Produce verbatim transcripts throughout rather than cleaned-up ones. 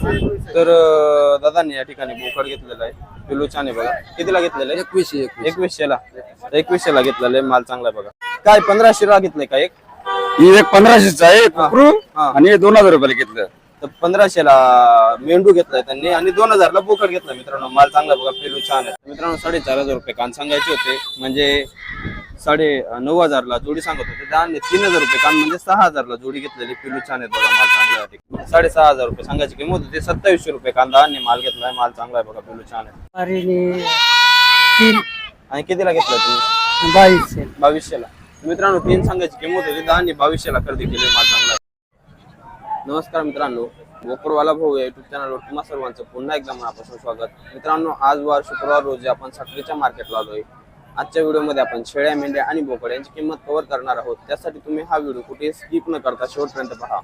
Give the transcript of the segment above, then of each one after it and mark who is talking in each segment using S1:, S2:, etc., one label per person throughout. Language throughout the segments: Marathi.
S1: तर अं, दादांनी या ठिकाणी बोकड घेतलेला आहे, पिलू छान आहे बघा. कितीला घेतलेलं आहे?
S2: एकवीसशे
S1: एकवीसशे ला एकवीसशे ला घेतलेलं आहे, माल चांगला आहे बघा. काय पंधराशे ला घेतलंय का एक?
S2: ही एक पंधराशेचा आहे कुकरू
S1: हा.
S2: आणि हे दोन हजार रुपयाला घेतलं.
S1: तर पंधराशे ला मेंढू घेतलाय त्यांनी आणि दोन हजार ला बोकड घेतला. मित्रांनो माल चांगला बघा, पिलू छान आहे. मित्रांनो साडेचार हजार रुपये कान सांगायचे होते, म्हणजे साडे नऊ हजार ला जोडी सांगत होते. दहा आणि तीन हजार रुपये कान म्हणजे सहा हजार ला जोडी घेतलेली. पिलू छान आहे बघा, माल चांगला आहे. साडेसहा हजार रुपये सांगायची किंमत होती, सत्तावीसशे रुपये कांदा आणि माल घेतलाय. माल चांगला आहे बघा, पिलू छान आहे.
S3: तीन
S1: आणि कितीला घेतला तुम्ही?
S3: बावीसशे
S1: बावीसशे ला. मित्रांनो तीन सांगायची किंमत होती, दहा आणि बावीसशे ला खरेदी केली. माल चांगला आहे. नमस्कार मित्रांनो, बोकडवाला भाऊ या युट्यूब चॅनलवर तुम्हा सर्वांचं पुन्हा एकदा मनापासून स्वागत. मित्रांनो आज वार शुक्रवार रोजी आपण साखरेच्या मार्केटला आलोय. आजच्या व्हिडिओमध्ये आपण शेळ्या, मेंढ्या आणि बोकड यांची किंमत कव्हर करणार आहोत. त्यासाठी तुम्ही हा व्हिडिओ कुठे स्किप न करता शेवटपर्यंत पहा.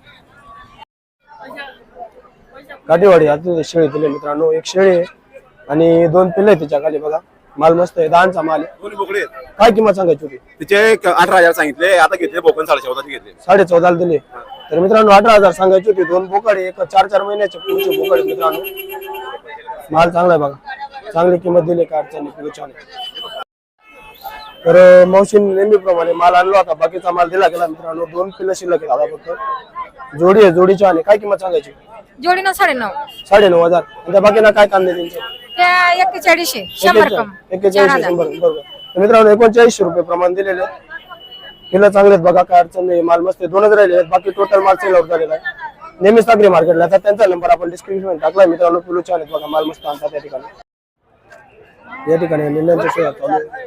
S3: काठीवाडी आता शेळी दिले मित्रांनो, एक शेळी आहे आणि दोन पिल्ले आहेत त्याच्या खाली बघा. माल मस्त आहे, दहाचा माल आहे.
S4: दोन्ही बोकडे आहेत.
S3: काय किंमत सांगायची होती?
S4: तिचे एक अठरा हजार सांगितले, आता घेतले बोकड साडे चौदाचे घेतले.
S3: साडे चौदाला दिले. तर मित्रांनो अठरा हजार सांगायची होती. दोन बोकड आहे, एक चार चार महिन्याचे पुढचे बोकड आहे मित्रांनो. माल चांगला आहे बघा, चांगली किंमत दिली. काय अडचण नाही, छान आहे. तर मावशीने नेहमीप्रमाणे माल आणला होता, बाकीचा माल दिला गेला मित्रांनो. दोन पिल्लं शिल्लक आहेत आता फक्त. जोडी आहे, जोडी छान आहे. काय किंमत सांगायची?
S5: जोडीनं साडे नऊ
S3: साडे नऊ हजार. आणि त्या बाकीना काय कांदे त्यांचे?
S5: त्या एक्केचाळीसशे शंभर कम
S3: एक्केचाळीस शंभर बरोबर. तर मित्रांनो एकोणचाळीसशे रुपये प्रमाण दिलेले. किल्ला चांगले आहेत बघा, काय अडचण नाही. माल मस्त दोनच राहिले आहेत, बाकी टोटल माल सेल आउट झालेला आहे. नेहमी सागरी मार्केटला आता त्यांचा नंबर आपण डिस्क्रिप्शन टाकलाय मित्रांनो. पिलू छान आहेत बघा, माल मस्त आणतात या ठिकाणी. या ठिकाणी निंद्यांच्या सोया चालू आहे.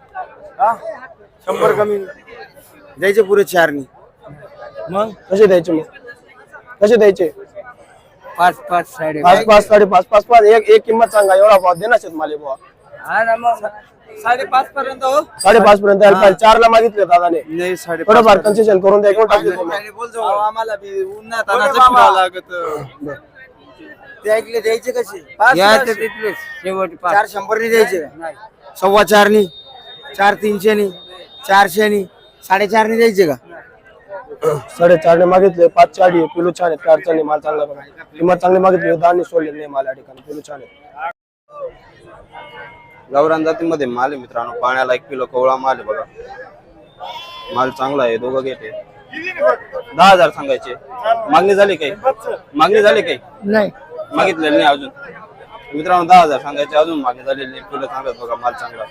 S2: शंभर कमी द्यायचे पुरे चारनी.
S3: मग कसे द्यायचे? मग कसे द्यायचे?
S2: पाच पाच साडे
S3: पाच पाच साडे पाच पाच पाच एक एक किंमत सांगा. एवढा भाव देणार मला बुवा.
S2: साडेपाच पर्यंत हो.
S3: साडेपाच पर्यंत यायला पाहिजे. चार ला मागितले दादाने.
S2: नाही साडे
S3: थोडंफार कन्सेशन करून द्या. घेऊन टाकले तुम्ही.
S2: आम्हाला बी उन्हात आणायचं फिरावं लागत. ते ऐकले द्यायचे कसे? शेवट चार शंभरनी द्यायचे, सव्वा चारनी, चार तीनशेनी, चारशेनी, साडेचारनी द्यायचे का?
S3: साडेचार ने मागितले. पाच चाळी पिलू छान आहेत, काय अडचण नाही. माल चांगला बघा, किंमत चांगली मागितली. दानी सोडले नाही माल या ठिकाणी. पिलू छान आहेत.
S1: गावरान जातीमध्ये माल आहे मित्रांनो, पाण्याला एक किलो कवळा माल आहे बघा. माल चांगला आहे, दोघं घेते. दहा हजार सांगायचे. मागणी झाली काही? मागणी झाली काही?
S3: नाही
S1: मागितलेली नाही अजून. मित्रांनो दहा हजार सांगायचे, अजून मागणी झालेली नाही. किलो चांगलं बघा, माल चांगला.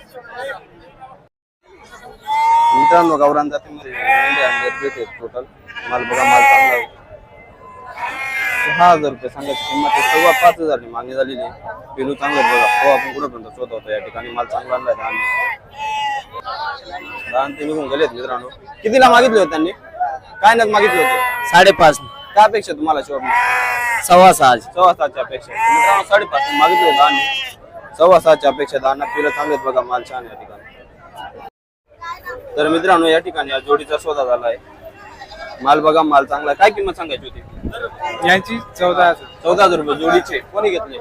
S1: मित्रांनो गावरान जातीमध्ये टोटल माल बघा, माल चांगला आहे. सहा हजार रुपये सांगायची किंमत आहे, सव्वा पाच हजार मागणी झालेली आहे. पिलू चांगलं बघा, हो आपण कुठपर्यंत शोध होतो या ठिकाणी. माल चांगला आणलाय. दहा ते निघून गेलेत मित्रांनो. कितीला मागितले होते त्यांनी? काय नाही मागितले होते?
S2: साडेपाच.
S1: काय अपेक्षा तुम्हाला शेवट?
S2: सव्वा सहा.
S1: सव्वा सातच्या अपेक्षा. मित्रांनो साडेपाच मागितले होते आणि सव्वा सातच्या अपेक्षा. दहा पिलं चांगलेत बघा, माल छान या ठिकाणी. तर मित्रांनो या ठिकाणी या जोडीचा सौदा झाला आहे. माल बघा, माल चांगला आहे. काय किंमत सांगायची होती
S2: यांची? चौदा हजार.
S1: चौदा हजार रुपये जोडीचे. कोणी घेतले?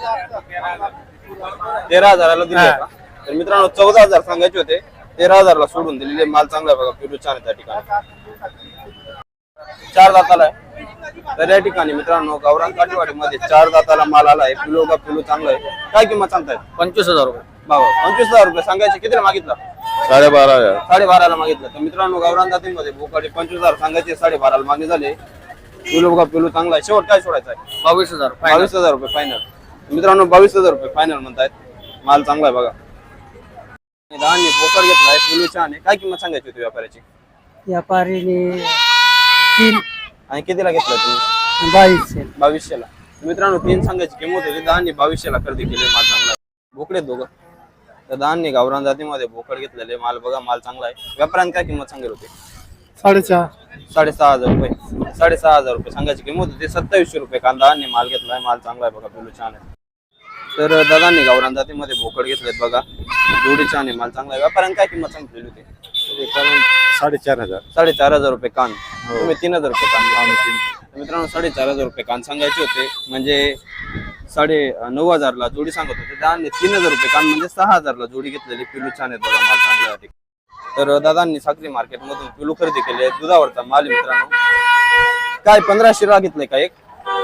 S1: तेरा हजाराला दिले का? तर मित्रांनो चौदा हजार सांगायचे होते, तेरा हजारला सोडून दिलेले. माल चांगला आहे बघा, पिलू छान आहे त्या ठिकाणी. चार दाताला आहे. तर या ठिकाणी मित्रांनो गावरान काठीवाडीमध्ये चार दाताला माल आला आहे. पिलू का पिलू चांगला आहे. काय किंमत सांगतायत?
S2: पंचवीस हजार रुपये.
S1: बाबा पंचवीस हजार रुपये सांगायचे. कितीला मागितला?
S4: साडेबारा हजार.
S1: साडेबाराला मागितलं. तर मित्रांनो गावरान जातीमध्ये बोकडे पंचवीस हजार सांगायचे, साडेबाराला मागणी झाले. पिलू बघा, पिलू चांगला आहे. शेवट काय सोडायचा आहे?
S2: बावीस हजार.
S1: बावीस हजार रुपये फायनल. मित्रांनो बावीस हजार रुपये फायनल म्हणतायत. माल चांगला आहे बघा. दहाने बोकड घेतलाय, पिलू छान आहे. काय किंमत सांगायची होती व्यापाऱ्याची?
S3: व्यापारीने तीन
S1: आणि कितीला घेतला तुम्ही?
S3: बावीसशे
S1: बावीसशेला. मित्रांनो तीन सांगायची किंमत होती, दहाने बावीसशेला खरेदी केली. माल चांगला आहे. बोकडे दोघं. तर दहाने गावरान जातीमध्ये बोकड घेतलेले. माल बघा, माल चांगला आहे. व्यापाऱ्याने काय किंमत सांगेल होती?
S3: साडेचार
S1: साडेसहा हजार रुपये. साडेसहा हजार रुपये सांगायची किंमत होती. सत्तावीसशे रुपये कांदा आणि माल घेतलाय. माल चांगला आहे बघा, पिलू छान आहे. तर दादांनी गावरान जातीमध्ये बोकड घेतलेत बघा, जोडी छान आहे. माल चांगला आहे. व्यापाऱ्याने काय किंमत सांगितलेली होती?
S4: साडेचार हजार.
S1: साडेचार हजार रुपये कान. तुम्ही तीन हजार रुपये कान. मित्रांनो साडेचार हजार रुपये कान सांगायचे होते, म्हणजे साडे नऊ हजारला जोडी सांगत होते. दादांनी तीन हजार रुपये कान म्हणजे सहा हजारला जोडी घेतलेली. पिलू छान आहेत बघा, माल चांगला आहे. तर दादांनी साखरी मार्केट मधून पिलू खरेदी केली आहे. दुधावरचा माल मित्रांनो. काय पंधराशे ला घेतलंय का एक?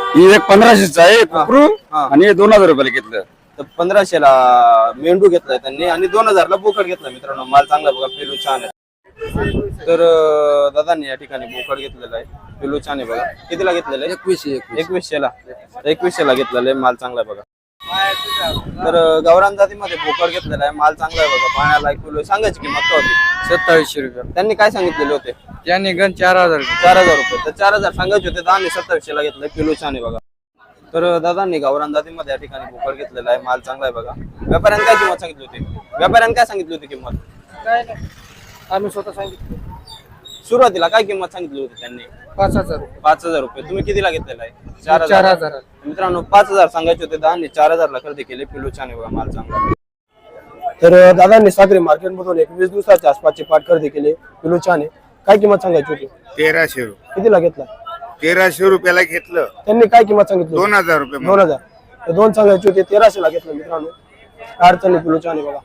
S6: ही एक पंधराशेचा आहे
S1: हा.
S6: कुकरू
S1: हा.
S6: आणि हे दोन हजार रुपयाला घेतलं.
S1: तर पंधराशेला मेंढू घेतलाय त्यांनी आणि दोन हजारला बोकड घेतला मित्रांनो. माल चांगला बघा, पिलू छान आहे. तर अं, दादांनी या ठिकाणी बोकड घेतलेला आहे, पिलू छान आहे बघा. कितीला घेतलेलं आहे?
S2: एकवीसशे
S1: एकवीसशेला एकवीसशेला घेतलेलं आहे, माल चांगला आहे बघा. तर अं, गावरान जातीमध्ये बोकड घेतलेला आहे, माल चांगला आहे बघा. पाण्याला एक किलो सांगायची किंमत काय होती?
S2: सत्तावीसशे रुपये.
S1: त्यांनी काय सांगितलेले होते?
S2: त्याने गण चार हजार
S1: चार हजार रुपये. तर चार हजार सांगायचे होते, दहा सत्तावीसशेला घेतलं. पिलू छान आहे बघा. तर दादांनी गावरान जातीमध्ये या ठिकाणी बोकड घेतलेला आहे, माल चांगला आहे बघा. व्यापाऱ्यांनी काय किंमत सांगितली होती? व्यापाऱ्यांनी काय सांगितली होती किंमत?
S2: काय नाही आम्ही स्वतः सांगितलं
S1: सुरुवातीला काय किंमत सांगितली होती त्यांनी?
S2: पाच हजार
S1: पाच हजार रुपये. तुम्ही कितीला घेतलेला आहे? चार
S2: चार
S1: हजार.
S2: हजार
S1: मित्रांनो पाच हजार सांगायचे होते, दहा चार हजारला खरेदी केले. पिलू छान आहे बघा, माल चांगला आहे.
S3: तर दादांनी सागरी मार्केट मधून एक वीस दिवसाच्या आसपासची पाठ खरेदी केली. पिलू छान आहे. काय किंमत सांगायची होती?
S7: तेराशे रुपये.
S3: कितीला घेतला?
S7: तेराशे रुपयाला घेतलं.
S3: त्यांनी काय किंमत सांगितली?
S7: दोन हजार रुपये.
S3: दोन हजार. तर दोन सांगायचे होते, तेराशे ला घेतलं मित्रांनो. अडचणी पिलू छान आहे बघा.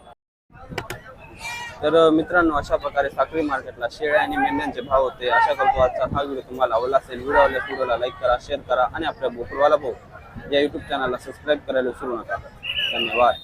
S1: तर मित्रांनो अशा प्रकारे साखळी मार्केटला शेळ्या आणि मेंढ्यांचे भाव होते. आशा करतो आजचा हा व्हिडिओ तुम्हाला आवडला असेल. व्हिडिओ आवडल्यास व्हिडिओला लाईक करा, शेअर करा आणि आपल्या बोकरवाला भाऊ या युट्यूब चॅनलला सबस्क्राईब करायला विसरू नका. धन्यवाद.